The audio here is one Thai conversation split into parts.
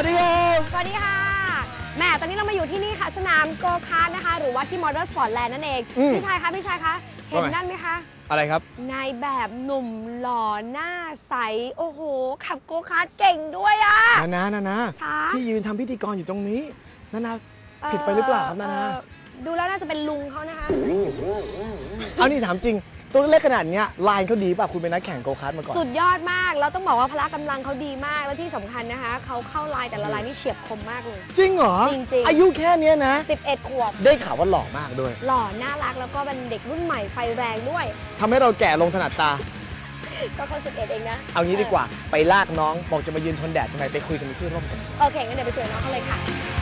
ดีครับสวัสดีค่ะแหมตอนนี้เรามาอยู่ที่นี่ค่ะสนามโกคาร์ทนะคะหรือว่าที่มอเตอร์สปอร์ตแลนด์นั่นเองพี่ชายคะเห็นนั่นไหมคะอะไรครับนายแบบหนุ่มหล่อหน้าใสโอ้โหขับโกคาร์ทเก่งด้วยอะนาที่ยืนทำพิธีกรอยู่ตรงนี้นาผิดไปหรือเปล่าครับนาดูแล้วน่าจะเป็นลุงเขานะคะเอานี่ถามจริงตัวเล็กขนาดนี้ลายเขาดีป่ะคุณเป็นนักแข่งโกคาร์ทมาก่อนสุดยอดมากเราต้องบอกว่าพละกำลังเขาดีมากแล้วที่สำคัญนะคะเขาเข้าลายแต่ละลายนี่เฉียบคมมากเลยจริงเหรอจริงอายุแค่นี้นะ 11 ขวบได้ข่าวว่าหล่อมากด้วยหล่อน่ารักแล้วก็เป็นเด็กรุ่นใหม่ไฟแรงด้วยทำให้เราแก่ลงถนัดตาก็เขา11เองนะเอางี้ดีกว่าไปลากน้องบอกจะมายืนทนแดดทำไมไปคุยกันในที่ร่มกันโอเคงั้นเดี๋ยวไปคุยกับน้องเขาเลยค่ะ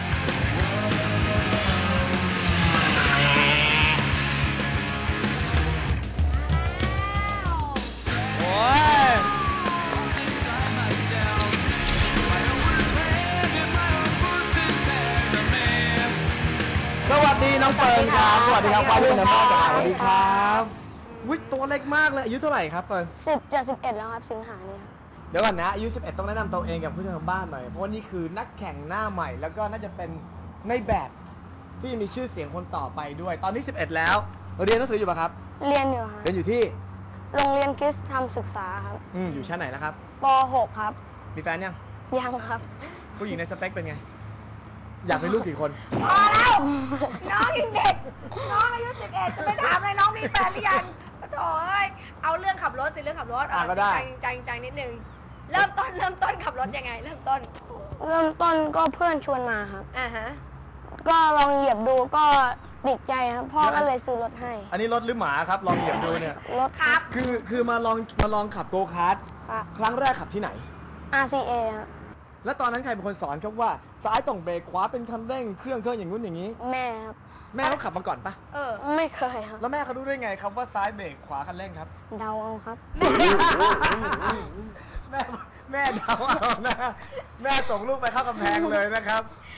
สวัสดีน้องเฟิร์นครับสวัสดีครับฟ้าด้วยนะพ่อจ๋าสวัสดีครับวิตัวเล็กมากเลยอายุเท่าไหร่ครับเฟิร์น 10 จะ 11แล้วครับสิงหาเนี่ยเดี๋ยวก่อนนะอายุ11ต้องแนะนำตัวเองกับผู้ชมทางบ้านหน่อยเพราะว่านี่คือนักแข่งหน้าใหม่แล้วก็น่าจะเป็นในแบบที่มีชื่อเสียงคนต่อไปด้วยตอนนี้11แล้วเรียนหนังสืออยู่ป่ะครับเรียนอยู่ครับเรียนอยู่ที่โรงเรียนคริสต์ธรรมศึกษาครับอยู่ชั้นไหนนะครับป .6 ครับมีแฟนยังครับผู้หญิงในสเปคเป็นไงอยากมีลูกกี่คนพอแล้วน้องยังเด็กน้องอายุ11จะไปถามเลยน้องมีแฟนหรือยังโถ่เอ้ยเอาเรื่องขับรถสิเรื่องขับรถก็ได้ใจนิดนึงเริ่มต้นขับรถยังไงเริ่มต้นก็เพื่อนชวนมาครับฮะก็ลองเหยียบดูก็ติดใจครับพ่อก็เลยซื้อรถให้อันนี้รถหรือหมาครับลองเหยียบดูเนี่ยรถครับคือมาลองขับโกคาร์ทครั้งแรกขับที่ไหน RCA ครับแล้วตอนนั้นใครเป็นคนสอนครับว่าซ้ายต้องเบรกขวาเป็นคันเร่งเครื่องอย่างนู้นอย่างนี้แม่ครับแม่เขาขับมาก่อนปะไม่เคยครับแล้วแม่เขารู้ได้ไงครับว่าซ้ายเบรกขวาคันเร่งครับเดาเอาครับแม่เดาเอานะแม่ส่งลูกไปเข้ากำแพงเลยนะครับ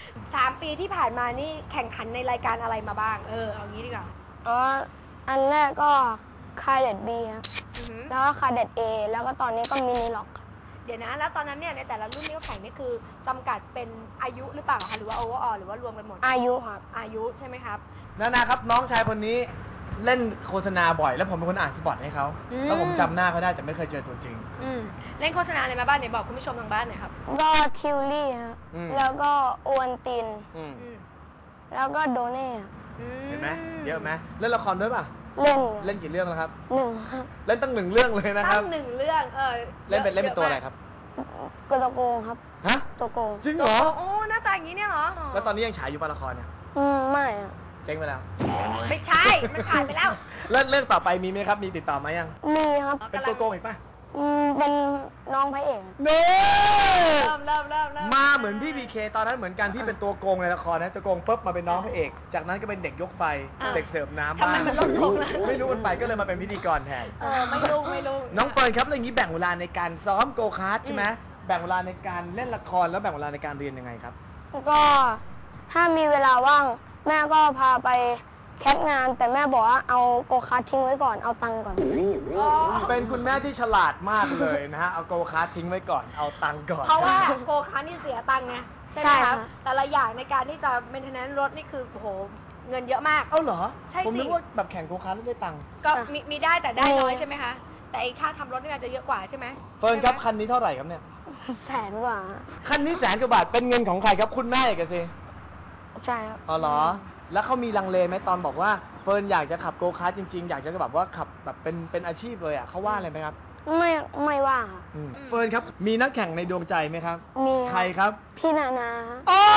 3 ปีที่ผ่านมานี่แข่งขันในรายการอะไรมาบ้างเอางี้ดีกว่าอันแรกก็คาเด็ด B ครับแล้วก็คาเด็ด A แล้วก็ตอนนี้ก็มินิล็อกเดี๋ยวนะแล้วตอนนั้นเนี่ยในแต่ละรุ่นที่เขาแข่งนี่คือจำกัดเป็นอายุหรือเปล่าคะหรือว่าโอเวอร์ออลหรือว่ารวมกันหมดอายุครับอายุใช่ไหมครับนะครับน้องชายคนนี้เล่นโฆษณาบ่อยแล้วผมเป็นคนอ่านสปอตให้เขาแล้วผมจำหน้าเขาได้แต่ไม่เคยเจอตัวจริงเล่นโฆษณาอะไรมาบ้างไหนบอกคุณผู้ชมทางบ้านหน่อยครับก็ทิวลี่ครับแล้วก็โอวันตินแล้วก็โดเน่เห็นไหมเยอะไหมเล่นละครด้วยป่ะเล่นกี่เรื่องแล้วครับ 1ครับเล่นตั้ง1 เรื่องเลยนะครับตั้ง1 เรื่องเล่นเป็นตัวอะไรครับตัวโกงครับฮะตัวโกงจริงเหรอโอ้หน้าตาอย่างนี้เนี่ยเหรอแล้วตอนนี้ยังฉายอยู่ป่ะละครเนี่ยไม่อะเจ๊งไปแล้วไม่ใช่มันผ่านไปแล้วเรื่องต่อไปมีไหมครับมีติดต่อมายังมีครับเป็นตัวโกงอีกป่ะเป็นน้องพระเอกเน่เริ่มมาเหมือนพี่พีเคตอนนั้นเหมือนกันพี่เป็นตัวโกงในละครนะตัวโกงปุ๊บมาเป็นน้องพระเอกจากนั้นก็เป็นเด็กยกไฟเด็กเสิร์ฟน้ำบ้างไม่รู้มันไปก็เลยมาเป็นพิธีกรแทนไม่รู้น้องเฟิร์นครับอย่างนี้แบ่งเวลาในการซ้อมโกคาร์ทใช่ไหมแบ่งเวลาในการเล่นละครแล้วแบ่งเวลาในการเรียนยังไงครับก็ถ้ามีเวลาว่างแม่ก็พาไปแคสงานแต่แม่บอกว่าเอาโกคาร์ททิ้งไว้ก่อนเอาตังค์ก่อนเป็นคุณแม่ที่ฉลาดมากเลยนะฮะเอาโกคาร์ททิ้งไว้ก่อนเอาตังค์ก่อนเพราะว่าโกคาร์ทนี่เสียตังค์ไงใช่ไหมครับแต่ละอย่างในการที่จะเมนเทนแนนซ์รถนี่คือโอ้โหเงินเยอะมากเอาเหรอใช่สิผมนึกว่าแบบแข่งโกคาร์ทได้ตังค์ก็มีได้แต่ได้น้อยใช่ไหมคะแต่ไอ้ค่าทำรถนี่อาจจะเยอะกว่าใช่ไหมเฟิร์นครับคันนี้เท่าไหร่ครับเนี่ย 100,000 กว่าคันนี้100,000 กว่าบาทเป็นเงินของใครครับคุณแม่เอกสิใช่ครับอ๋อเหรอแล้วเขามีลังเลไหมตอนบอกว่าเฟิร์นอยากจะขับโกคาร์ทจริงๆอยากจะแบบว่าขับแบบเป็นอาชีพเลยอ่ะเขาว่าอะไรไหมครับไม่ว่าเฟิร์นครับมีนักแข่งในดวงใจไหมครับมีใครครับพี่นาโอ้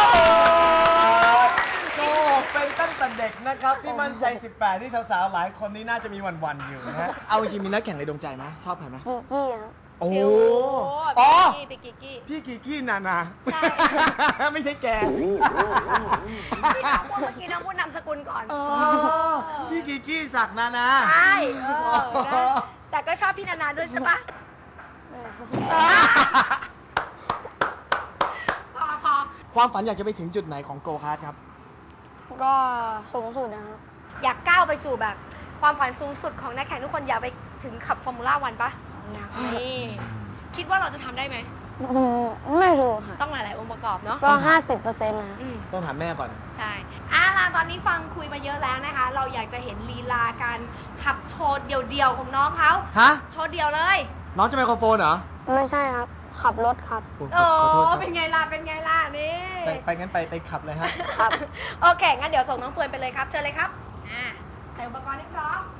เป็นตั้งแต่เด็กนะครับที่มั่นใจ18ที่สาวๆหลายคนนี้น่าจะมีวันๆอยู่นะฮะเอาจริงมีนักแข่งในดวงใจไหมชอบใครไหมกิกกี้ครับโอ้พี่กิกกี้พี่กิกกี้นาใช่ไม่ใช่แกพี่น้องพูดเมื่อกี้น้องพูดนามสกุลก่อนพี่กิกกี้ศักดิ์นาใช่แต่ก็ชอบพี่นาด้วยใช่ปะพอความฝันอยากจะไปถึงจุดไหนของโกคาร์ทครับก็สูงสุดนะครับอยากก้าวไปสู่แบบความฝันสูงสุดของนักแข่งทุกคนอยากไปถึงขับฟอร์มูล่า1ปะนี่คิดว่าเราจะทำได้ไหมไม่รู้ค่ะต้องหลาย ๆ องค์ประกอบเนาะก็ 50%นะอืมต้องถามแม่ก่อนใช่ล่ะตอนนี้ฟังคุยมาเยอะแล้วนะคะ เราอยากจะเห็นลีลาการขับโชว์เดี่ยว ๆ ของน้องเขาฮะโชว์เดี่ยวเลยน้องจะไมโครโฟนเหรอไม่ใช่ครับ ขับรถครับโอ้ขอโทษครับเป็นไงล่ะ เป็นไงล่ะ นี่ไปงั้นไปขับเลยฮะครับโอเค งั้นเดี๋ยวส่งน้องเฟิร์นไปเลยครับ เชิญเลยครับ ใส่อุปกรณ์ให้พร้อม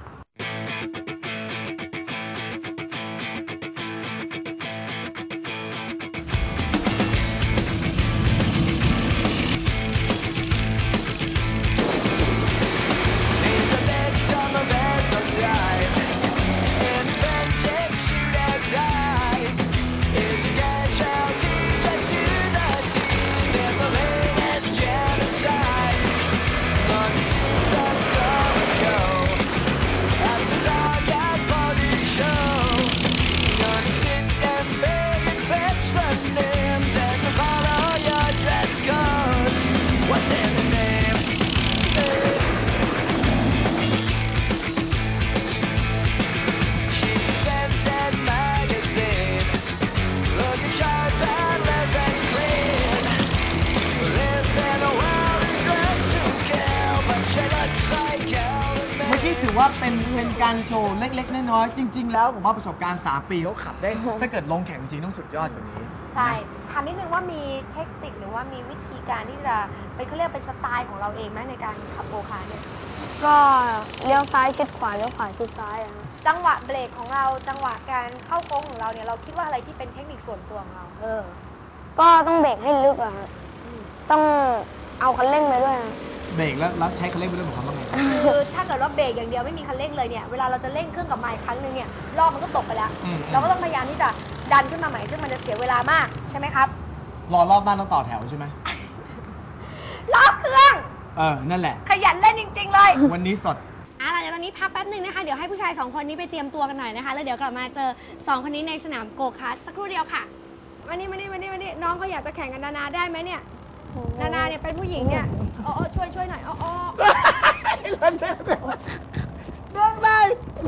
เมื่อกี้ถือว่าเป็นการโชว์เล็ก ๆ น้อย ๆ จริง ๆ แล้วผมว่าประสบการณ์ 3 ปีเขาขับได้ ถ้าเกิดลงแข่งจริงต้องสุดยอดกว่านี้ใช่ ถามนิดนึงว่ามีเทคนิคหรือว่ามีวิธีการที่จะเป็นเขาเรียกเป็นสไตล์ของเราเองไหมในการขับโกคาร์ทเนี่ยก็เลี้ยวซ้ายชิดขวาเลี้ยวขวาชิดซ้ายอะครับจังหวะเบรกของเรา จังหวะการเข้าโค้งของเราเนี่ย เราคิดว่าอะไรที่เป็นเทคนิคส่วนตัวของเราก็ต้องเบรกให้ลึกอะครับต้องเอาคันเร่งไปด้วยนะเบรกแล้วใช้คันเร่งไปด้วยผมทำว่าไงคือถ้าเกิดว่าเบรกอย่างเดียวไม่มีคันเร่งเลยเนี่ย เวลาเราจะเร่งเครื่องกับไมค์ครั้งหนึงเนี่ยรอบมันก็ตกไปแล้วอืมเราก็ต้องพยายามที่จะดันขึ้นมาใหม่ซึ่งมันจะเสียเวลามากใช่ไหมครับรอรอบบ้านต้องต่อแถวใช่ไหมรอบเครื่องนั่นแหละขยันเล่นจริง ๆ เลยวันนี้สดเดี๋ยวตอนนี้พักแป๊บหนึ่งนะคะ เดี๋ยวให้ผู้ชาย2คนนี้ไปเตรียมตัวกันหน่อยนะคะ แล้วเดี๋ยวกลับมาเจอ2คนนี้ในสนามโกคาร์ทสักครู่เดียวค่ะมานี่น้องเขาอยากจะแข่งกับนานาได้ไหมเนี่ย นานาเนี่ยเป็นผู้หญิงเนี่ยช่วยหน่อยเล่นใช่ไหมร้องได้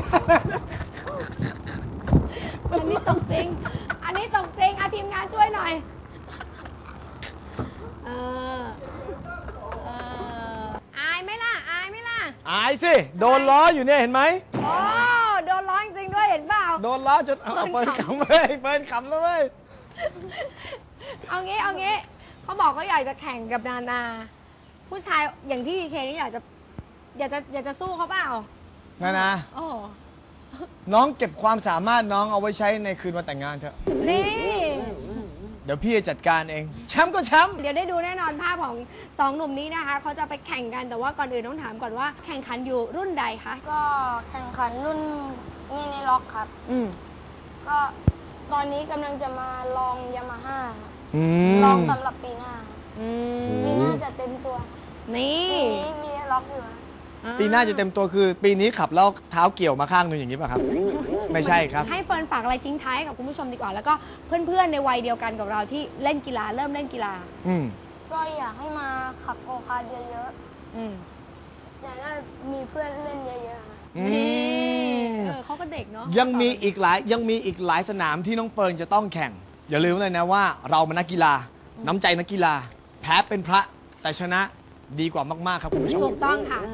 อันนี้ตกจริงทีมงานช่วยหน่อยอายไหมล่ะอายสิ โดนล้ออยู่เนี่ยเห็นไหมโอ้โดนร้อยจริงๆด้วยเห็นเปล่าโดนล้อจนเอาเปิดขำเลยเปิดขำแล้วเว้ยเอางี้เขาบอกเขาอยากจะแข่งกับนานา ผู้ชายอย่างที่เคนี่อยากจะสู้เขาเปล่านะโอ้น้องเก็บความสามารถน้องเอาไว้ใช้ในคืนวันแต่งงานเถอะนี่เดี๋ยวพี่จะจัดการเอง แชมป์ก็แชมป์เดี๋ยวได้ดูแน่นอนภาพของ2หนุ่มนี้นะคะเขาจะไปแข่งกันแต่ว่าก่อนอื่นต้องถามก่อนว่าแข่งขันอยู่รุ่นใดคะก็แข่งขันรุ่นมินิล็อกครับ ก็ตอนนี้กำลังจะมาลองยามาฮ่าลองสำหรับปีหน้าปีหน้าจะเต็มตัวนี่ปีนี้มีล็อกอยู่นะปีหน้าจะเต็มตัวคือปีนี้ขับแล้วเท้าเกี่ยวมาข้างหนึงอย่างนี้ป่ะครับ ไม่ใช่ครับให้เฟิร์นฝากอะไรทิ้งท้ายกับคุณผู้ชมดีกว่า แล้วก็เพื่อนๆในวัยเดียวกันกับเราที่เล่นกีฬาเริ่มเล่นกีฬาก็อยากให้มาขับโกคาร์ทเยอะๆอยากให้มีเพื่อนเล่นเยอะๆนะนี่เขาก็เด็กเนาะยังมีอีกหลายสนามที่น้องเปิร์นจะต้องแข่ง อย่าลืมเลยนะว่าเราเป็นนักกีฬา น้ำใจนักกีฬา แพ้เป็นพระแต่ชนะดีกว่ามากๆครับคุณผู้ชมถูกต้องค่ะ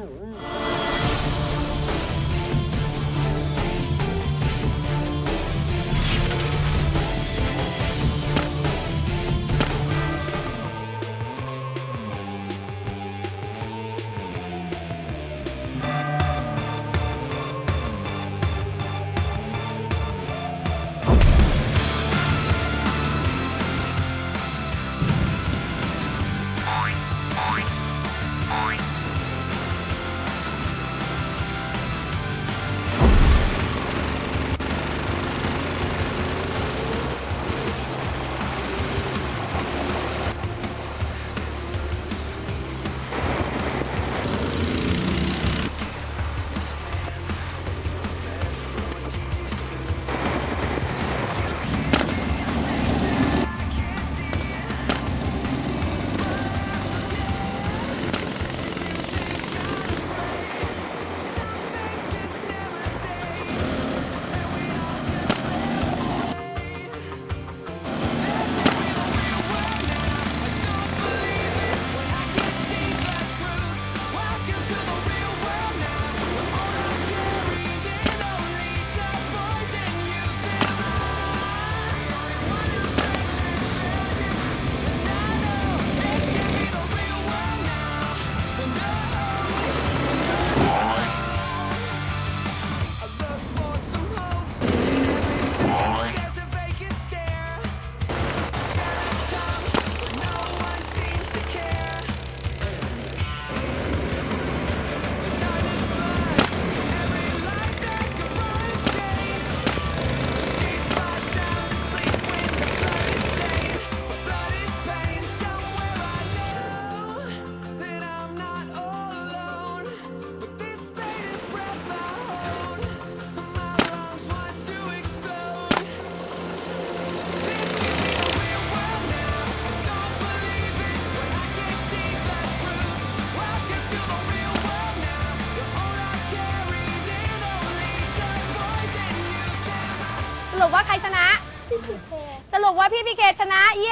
รุปว่าใครชนะ สรุปว่าพี่พีเคชนะ เย้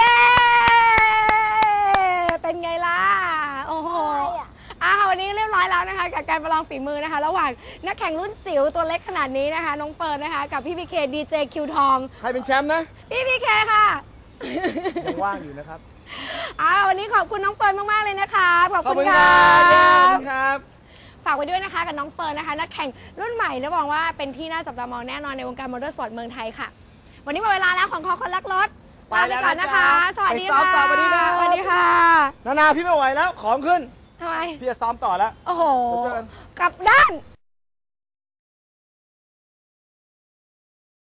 เป็นไงล่ะ โอ้โหวันนี้เรียบร้อยแล้วนะคะกับการประลองฝีมือนะคะ ระหว่างนักแข่งรุ่นจิ๋วตัวเล็กขนาดนี้นะคะ น้องเฟิร์นนะคะกับพี่พีเคดีเจคิวทองใครเป็นแชมป์นะพี่พีเคค่ะยังว่างอยู่นะครับวันนี้ขอบคุณน้องเฟิร์นมากๆเลยนะคะขอบขอบคุคุณ ณคครัรับขอบบคุณครับฝากไว้ด้วยนะคะกับน้องเฟิร์นนะคะนักแข่งรุ่นใหม่และหวังว่าเป็นที่น่าจับตามองแน่นอนในวงการมอเตอร์สปอร์ตเมืองไทยค่ะ วันนี้หมดเวลาแล้วของคอคนรักรถลาไปก่อนนะคะ สวัสดีไปซ้อค่ะมต่อสวัสดีครับสวัสดีค่ะนานาพี่ไม่ไหวแล้วของขึ้นทำไมพี่จะซ้อมต่อแล้วโอ้โหเดี๋ยวเจอกันกลับด้าน